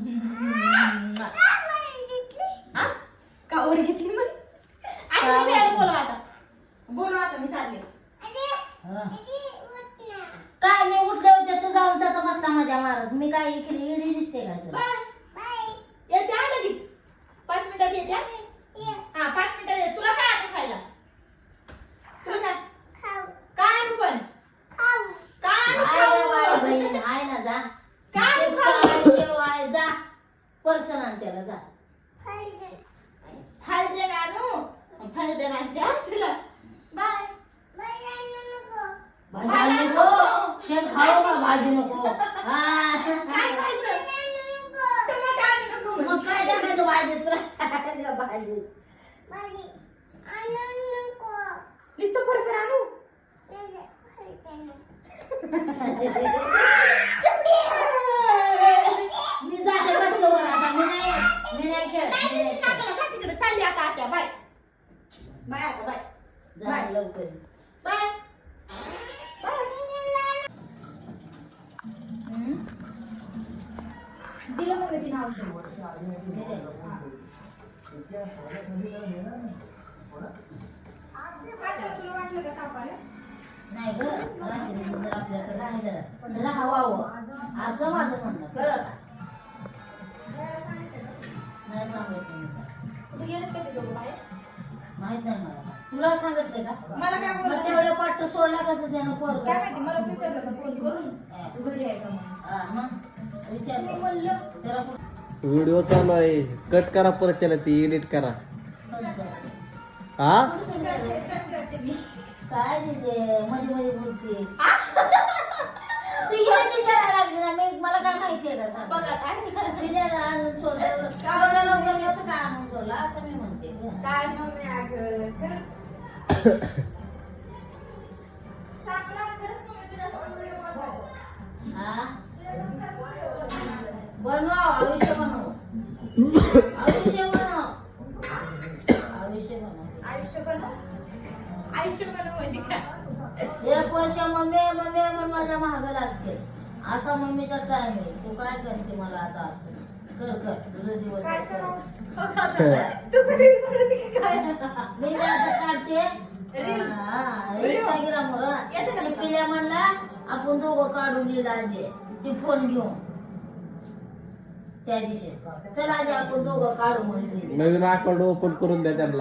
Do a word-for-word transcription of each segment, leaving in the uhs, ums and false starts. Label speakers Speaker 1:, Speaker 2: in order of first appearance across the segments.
Speaker 1: कावर घेतली म्हण आणि बोलवा आता बोलवा आता मी चालले
Speaker 2: काय मी उठले होते तू जाऊन जातो बसला माझ्या मारत मी काय इकडे इडी दिसते का तुला
Speaker 1: येते हा लगेच पाच मिनिटात येते हा पाच मिनिटात येते तुला काय आणू खायला तुला काय काय आणू पण काय आणू
Speaker 2: बहीण आहे ना जा
Speaker 1: काय
Speaker 2: आहे जा पर्सन आण त्याला जा
Speaker 1: फालदे आणू फालदे आणते तुला बाय
Speaker 2: भाजी नको शेण खाऊ का भाजी नको हा
Speaker 1: काय खायचं टमाटर आणू नको
Speaker 2: मग काय टाकायचं भाजीत तुला भाजी
Speaker 1: नुसतं फरसर आणू
Speaker 2: मी जाते बसलो वर आता मी नाही मी नाही खेळत मी नाही खेळत.
Speaker 1: तिकडे चालली आता आत्या बाय बाय आता बाय
Speaker 2: जा लवकर
Speaker 1: बाय दिलं मग मी तिने औषध तुला वाटलं का तापाला
Speaker 2: नाही ग रात्री जर आपल्याकडे राहिलं तर राहावं असं माझं म्हणणं कळलं का नाही सांगितलं मी काय
Speaker 1: तू गेलं का ते दोघं बाहेर
Speaker 2: माहित नाही मला तुला सांगितलं का
Speaker 1: मला काय
Speaker 2: मग
Speaker 1: बोलत
Speaker 2: तेवढं पाठ सोडला कसं त्यानं पोर
Speaker 1: काय माहिती मला विचारलं का फोन करून तू घरी आहे का म्हणून
Speaker 2: मग विचार
Speaker 1: मी म्हणलं
Speaker 2: त्याला कुठं
Speaker 3: व्हिडिओ चालू आहे कट करा परत चला ती एडिट करा हा
Speaker 2: काय तिथे मध्ये मध्ये बोलते तू येऊन विचारायला लागली ना मी मला काय माहितीये का सांग
Speaker 1: बघा काय
Speaker 2: पिण्याला आणून सोडलं एवढ्या लवकर कसं काय आणून सोडलं असं मी म्हणते ग.
Speaker 1: काय मम्मी अगं खरंच चांगला खरंच मम्मी तुला व्हिडिओ बनवावं
Speaker 2: हा
Speaker 1: तुला व्हिडिओ
Speaker 2: बनवा आयुष्य बनव आयुष्य बनव आयुष्य बनव
Speaker 1: आयुष्य बनव आयुष्य बनव म्हणजे काय
Speaker 2: एक वर्ष मम्मी मम्मी म्हणून माझ्या महाग लागते असा मम्मीचा टाइम आहे तू काय करते मला आता असं कर कर तुझं दिवस
Speaker 1: काय
Speaker 2: आहे, कर.
Speaker 1: करावं तू कधी बनवते की काय
Speaker 2: मी आता काढते
Speaker 1: रील.
Speaker 2: इंस्टाग्रामवर
Speaker 1: येतं का
Speaker 2: ते
Speaker 1: तुला?
Speaker 2: पिल्या म्हणला आपण दोघं काढून लिहिलं आजी ते फोन घेऊन त्या दिवशी चल आजी आपण दोघं काढू म्हणले
Speaker 3: नवीन अकाउंट ओपन करून द्या त्यांना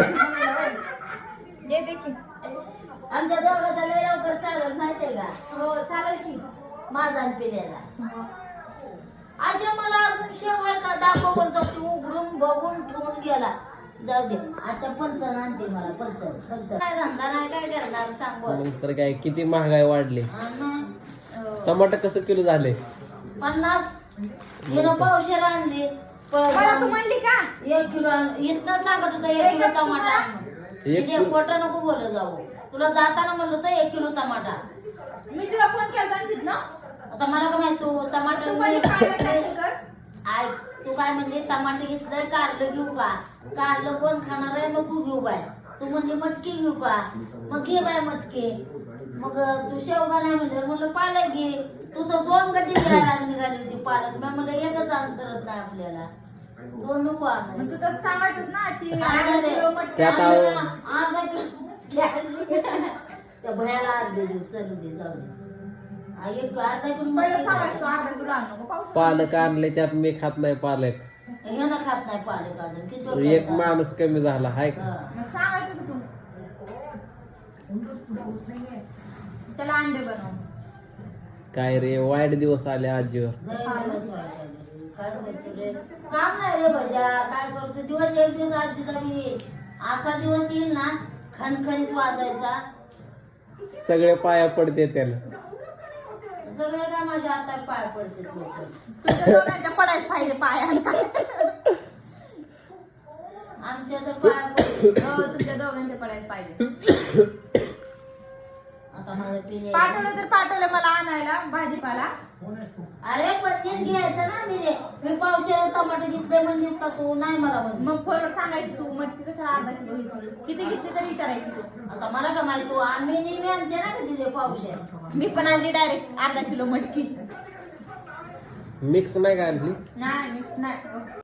Speaker 1: ये देखील
Speaker 2: आमच्या दोघांचा लय लवकर चालत माहितीये का
Speaker 1: हो चालेल की
Speaker 2: माझा आणि पिल्याला आजी मला अजून शेव आहे का दाखवून जाऊ उघडून बघून ठेवून गेला जाऊ दे आता पंचन आणते मला पंचन पंचन काय धंदा नाही काय करणार सांग बोल
Speaker 3: नंतर काय किती महागाई वाढली
Speaker 2: आणि
Speaker 3: टमाटर कसं किलो झाले
Speaker 2: पन्नास किलो पावशेर आणली
Speaker 1: मला तू म्हणली का
Speaker 2: एक किलो आण- इथनं सांगत होतं एक किलो टमाटा आण म्हणून.
Speaker 3: एक
Speaker 2: तिथे खोटं नको बोलत जाऊ तुला जाताना म्हणलं होतं एक किलो टमाटा
Speaker 1: मी तुला फोन केला आणतीत ना
Speaker 2: आता मला काय माहित तू
Speaker 1: तू
Speaker 2: टमाटर
Speaker 1: म्हणजे काय काय कर
Speaker 2: आय तू काय म्हणली टमाटे घेतलंय कारलं घेऊ का कारलं कोण खाणार आहे नको घेऊ बाय तू म्हणली मटकी घेऊ का मग घे बाय मटकी मग तू शेवगा नाही म्हणलं म्हणलं पालक घे तू तर दोन गड्डी घ्यायला निघाली होती पालक मी म्हणलं एकच आणसरत नाही आपल्याला दोन नको आणू
Speaker 1: मग तू तसं सांगायचं ना ती
Speaker 2: अर्धा
Speaker 1: अर्धा
Speaker 2: दे.
Speaker 1: किलो मटकी
Speaker 3: त्यात
Speaker 1: आणली.
Speaker 3: आव-
Speaker 2: अर्धा किलो त्या भयाला अर्धे देऊ चलू दे जाऊ दे हा, एक अर्धा किलो
Speaker 1: पहिलं
Speaker 2: मटकी
Speaker 1: सांगायचं
Speaker 2: घाल.
Speaker 1: अर्धा किलो आणू नको पाऊस
Speaker 3: पालक आणले त्यात मी खात नाही पालक
Speaker 2: हे ना खात नाही पालक अजून किती
Speaker 3: एक माणूस कमी झाला हाय का
Speaker 1: मग सांगायचं का तू त्याला अंडे बनव
Speaker 3: काय रे वाईट दिवस आले आजीवर
Speaker 2: काय करतो रे काम नाही रे भजा काय करतो दिवस एक दिवस आजीचा मी येईल असा दिवस येईल ना खणखणीत वाजायचा
Speaker 3: सगळे पाया पडते त्याला
Speaker 2: सगळे काय माझ्या हातात पाय पडते लोकं.
Speaker 1: तुझ्या दोघांच्या पडायला पाहिजे पायांना
Speaker 2: आमच्या तर पाय पडते
Speaker 1: हो तुझ्या दोघांच्या पडायला पाहिजे
Speaker 2: आता माझं पिणे
Speaker 1: पाठवलं तर पाठवलं मला आणायला भाजीपाला
Speaker 2: अरे पटकन घ्यायचं ना मी मी पावशेर टमाटर घेतले म्हणलीस का तू नाही मला म्हणली
Speaker 1: मग फरक सांगायची तू मटकी कशा अर्धा किलो घेतली किती घेतली तरी विचारायची तू
Speaker 2: आता मला का माहिती तू आम्ही नेहमी आणते ना का तिथे पावशेर
Speaker 1: मी पण आणली डायरेक्ट अर्धा किलो मटकी
Speaker 3: मिक्स नाही का आणली
Speaker 1: नाही मिक्स नाही